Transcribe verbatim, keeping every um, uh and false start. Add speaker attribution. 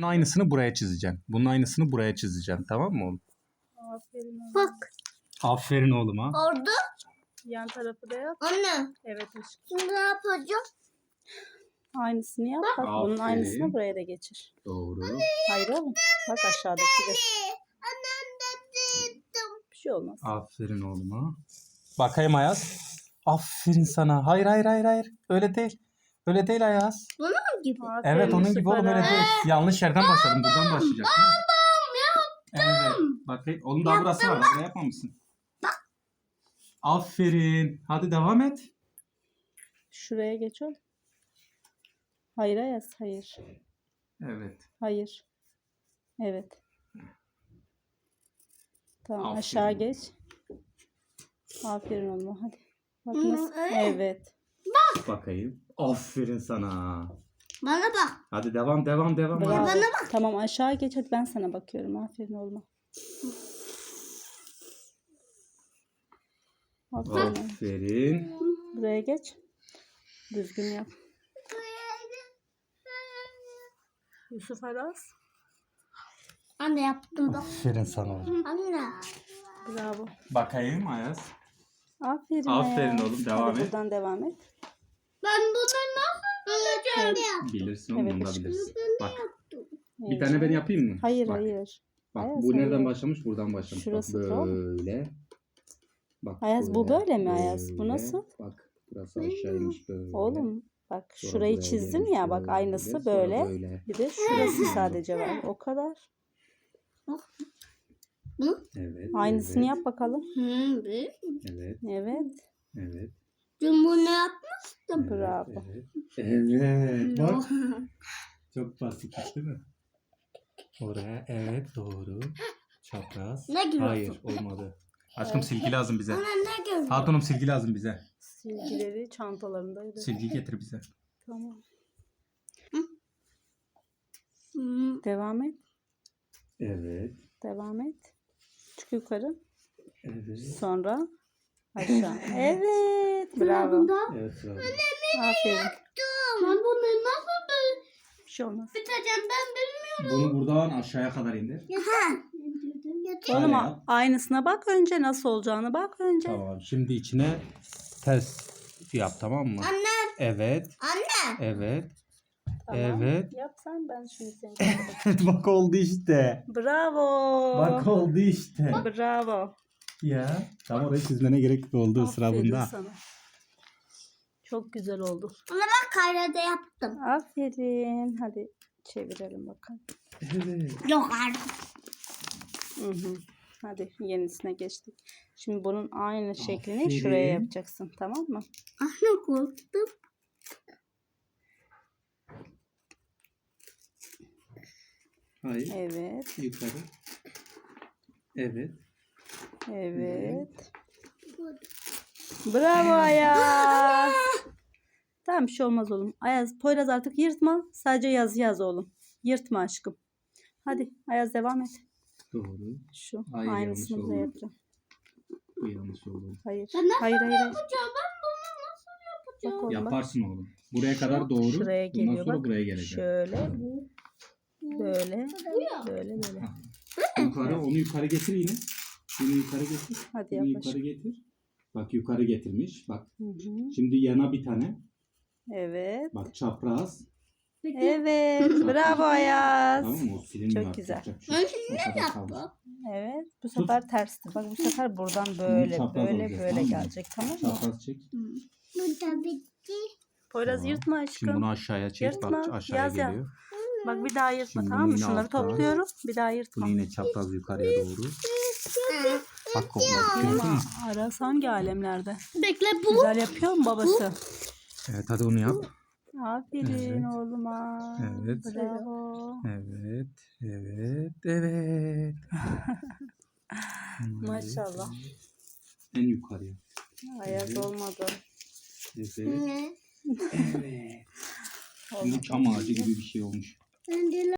Speaker 1: Bunun aynısını buraya çizeceğim. Bunun aynısını buraya çizeceğim. Tamam mı oğlum?
Speaker 2: Aferin oğlum.
Speaker 3: Bak.
Speaker 1: Aferin oğluma.
Speaker 3: Orada.
Speaker 2: Yan tarafı da yap.
Speaker 3: Anne.
Speaker 2: Evet aşkım.
Speaker 3: Şimdi ne yapacağım?
Speaker 2: Aynısını yap. Bak bunun
Speaker 1: Aferin.
Speaker 2: aynısını buraya da geçir.
Speaker 1: Doğru.
Speaker 2: Hayır oğlum. Bak aşağıdaki de.
Speaker 3: Annem de dedim.
Speaker 2: Bir şey olmaz.
Speaker 1: Aferin oğluma. Bakayım Ayaz. Aferin sana. Hayır hayır hayır hayır. Öyle değil. Öyle değil Ayaz.
Speaker 3: Bunun gibi.
Speaker 2: Aferin,
Speaker 1: Evet onun gibi oğlum öyle
Speaker 2: süper.
Speaker 1: değil. Yanlış yerden başladım. Buradan başlayacak. Babam yaptım. Evet. Bakayım. Oğlum daha burası var. Buraya yapmamışsın. Aferin. Hadi devam et.
Speaker 2: Şuraya geç oğlum. Hayır Ayaz. Hayır.
Speaker 1: Evet.
Speaker 2: Hayır. Evet. Tamam
Speaker 1: Aferin.
Speaker 2: aşağı geç. Aferin oğlum hadi. Bak
Speaker 3: Hı,
Speaker 2: nasıl?
Speaker 3: öyle.
Speaker 2: Evet.
Speaker 1: Bakayım. Aferin sana.
Speaker 3: Bana bak.
Speaker 1: Hadi devam devam devam.
Speaker 2: Bravo.
Speaker 1: Hadi.
Speaker 2: Tamam aşağı geç hadi ben sana bakıyorum. Aferin oğlum. Aferin.
Speaker 1: Aferin.
Speaker 2: Buraya geç. Düzgün yap. Yusuf Aras.
Speaker 3: Anne yaptım da.
Speaker 1: Aferin sana oğlum.
Speaker 3: Anne.
Speaker 2: Bravo.
Speaker 1: Bakayım Ayaz.
Speaker 2: Aferin.
Speaker 1: Aferin
Speaker 2: Ayaz.
Speaker 1: oğlum, devam
Speaker 2: Hadi
Speaker 1: et.
Speaker 2: buradan devam et.
Speaker 3: Ben bunu nasıl bulacağım?
Speaker 1: Bilirsin oğlum
Speaker 2: Evet,
Speaker 1: bunu da
Speaker 2: aşkım.
Speaker 1: bilirsin. Bak bir
Speaker 2: Evet.
Speaker 1: tane ben yapayım mı?
Speaker 2: Hayır
Speaker 1: Bak.
Speaker 2: hayır.
Speaker 1: Bak
Speaker 2: Ayaz,
Speaker 1: bu nereden
Speaker 2: hayır.
Speaker 1: başlamış? Buradan başlamış.
Speaker 2: Şurası
Speaker 1: Bak
Speaker 2: tamam.
Speaker 1: böyle. Bak
Speaker 2: Ayaz, bu böyle mi Ayaz? Bu
Speaker 1: böyle.
Speaker 2: nasıl?
Speaker 1: Bak burası aşağıymış böyle.
Speaker 2: Oğlum bak
Speaker 1: Sonra
Speaker 2: şurayı
Speaker 1: buraya
Speaker 2: çizdim
Speaker 1: gelmiş
Speaker 2: ya bak
Speaker 1: böyle,
Speaker 2: aynısı
Speaker 1: sonra
Speaker 2: böyle.
Speaker 1: böyle.
Speaker 2: Bir de şurası sadece var. O kadar.
Speaker 1: Evet.
Speaker 2: Aynısını
Speaker 1: evet,
Speaker 2: yap bakalım.
Speaker 3: Hı, bir.
Speaker 1: Evet.
Speaker 2: Evet.
Speaker 1: Evet.
Speaker 3: Dün bunu yapmıştım.
Speaker 1: Evet,
Speaker 2: Bravo.
Speaker 1: Evet. Evet. Bak. Çok basit değil mi? Oraya evet doğru. Çapraz.
Speaker 3: Ne gülüyorsun?
Speaker 1: Hayır olmadı. Aşkım silgi lazım bize.
Speaker 3: Bana ne görüyorsun?
Speaker 1: Hatunum silgi lazım bize.
Speaker 2: Silgileri çantalarındaydı.
Speaker 1: Silgi getir bize.
Speaker 2: Tamam.
Speaker 3: Hı.
Speaker 2: Devam et.
Speaker 1: Evet.
Speaker 2: Devam et. Çık yukarı.
Speaker 1: Evet.
Speaker 2: Sonra aşağı. Evet. Bravo.
Speaker 1: Evet. Bravo.
Speaker 2: Aferin.
Speaker 3: Ben bunu nasıl
Speaker 2: Bir şey olmaz.
Speaker 3: biteceğim ben bilmiyorum.
Speaker 1: Bunu buradan aşağıya kadar indir.
Speaker 3: Ha.
Speaker 2: Oğlum
Speaker 1: Şöyle
Speaker 2: a-
Speaker 1: yap.
Speaker 2: aynısına bak önce nasıl olacağını bak önce.
Speaker 1: Tamam. Şimdi içine ters yap tamam mı?
Speaker 3: Anne.
Speaker 1: Evet.
Speaker 3: Anne.
Speaker 1: Evet.
Speaker 2: Tamam.
Speaker 1: Evet.
Speaker 2: Yap sen ben şimdi seni.
Speaker 1: Bak oldu işte.
Speaker 2: Bravo.
Speaker 1: Bak oldu işte.
Speaker 2: Bravo.
Speaker 1: Ya. Tam orayı çizmene gerek oldu sıra
Speaker 2: Aferin
Speaker 1: bunda.
Speaker 2: sana. Çok güzel oldu.
Speaker 3: Ona bak kayrada yaptım.
Speaker 2: Aferin. Hadi çevirelim bakalım.
Speaker 1: Evet.
Speaker 3: Yok artık.
Speaker 2: Hı hı. Hadi yenisine geçtik. Şimdi bunun aynı şeklini
Speaker 1: Aferin.
Speaker 2: şuraya yapacaksın. Tamam mı?
Speaker 3: Anne korktum.
Speaker 1: Hayır.
Speaker 2: Evet.
Speaker 1: Yukarı. Evet.
Speaker 2: Evet. Bravo Ayaz. Tamam bir şey olmaz oğlum. Ayaz, Poyraz artık yırtma. Sadece yaz yaz oğlum. Yırtma aşkım. Hadi Ayaz devam et.
Speaker 1: Doğru.
Speaker 2: Şu
Speaker 1: Hayır,
Speaker 2: aynısını
Speaker 1: yanlış
Speaker 2: buraya
Speaker 1: oldu.
Speaker 2: yapacağım.
Speaker 1: Bu yanlış oldu.
Speaker 2: Hayır.
Speaker 3: Ben nasıl
Speaker 2: Hayır hayır. hayır.
Speaker 3: yapacağım? Ben bunu nasıl yapacağım?
Speaker 2: Bak oğlum bak.
Speaker 1: Yaparsın oğlum. Buraya kadar doğru.
Speaker 2: Şuraya
Speaker 1: Bundan
Speaker 2: geliyor
Speaker 1: sonra
Speaker 2: bak.
Speaker 1: buraya gelecek.
Speaker 2: Şöyle. Böyle.
Speaker 3: Bu ya.
Speaker 2: Böyle böyle.
Speaker 1: Yukarı onu yukarı getir yine. Bunu yukarı getir.
Speaker 2: Hadi
Speaker 1: Bunu
Speaker 2: yaklaş.
Speaker 1: yukarı getir. Bak yukarı getirmiş. Bak.
Speaker 2: Hı hı.
Speaker 1: Şimdi yana bir tane.
Speaker 2: Evet.
Speaker 1: Bak çapraz.
Speaker 2: Evet. Bravo Ayaz.
Speaker 1: Tamam mı? O silinmiyor.
Speaker 2: Çok güzel.
Speaker 1: Yapacak bir şey
Speaker 3: Ben
Speaker 1: yok.
Speaker 3: şimdi
Speaker 1: O
Speaker 3: ne
Speaker 1: kadar kaldı.
Speaker 3: yaptım?
Speaker 2: Evet. Bu sefer tersti. Bak bu sefer buradan böyle
Speaker 1: çapraz
Speaker 2: böyle
Speaker 1: olacak,
Speaker 2: böyle
Speaker 1: tamam mı?
Speaker 2: gelecek tamam mı?
Speaker 1: Çapraz çek.
Speaker 3: Bu da bitti.
Speaker 2: Poyraz
Speaker 1: Tamam.
Speaker 2: yırtma
Speaker 1: Şimdi
Speaker 2: aşkım.
Speaker 1: bunu aşağıya çek. Bak
Speaker 2: Yırtma,
Speaker 1: aşağıya
Speaker 2: yaz ya.
Speaker 1: geliyor.
Speaker 2: Bak bir daha yırtma
Speaker 1: Şimdi
Speaker 2: tamam
Speaker 1: bunu
Speaker 2: mı?
Speaker 1: yine
Speaker 2: Şunları
Speaker 1: alttan.
Speaker 2: topluyorum. Bir daha yırtma.
Speaker 1: Bunu yine çapraz yukarıya doğru. Bak oldu. Gördün
Speaker 2: Ama
Speaker 1: mü?
Speaker 2: Aras hangi alemlerde?
Speaker 3: Bekle bu.
Speaker 2: Güzel yapıyor mu babası?
Speaker 1: Evet hadi onu yap.
Speaker 2: Aferin
Speaker 1: Evet.
Speaker 2: oğluma.
Speaker 1: Evet.
Speaker 2: Bravo.
Speaker 1: Evet. Evet. Evet.
Speaker 2: Maşallah.
Speaker 1: En yukarıya.
Speaker 2: Ayaz
Speaker 1: Evet.
Speaker 2: olmadı.
Speaker 1: Evet.
Speaker 3: Ne?
Speaker 1: Evet. Şimdi çam ağacı gibi bir şey olmuş.
Speaker 3: Ben de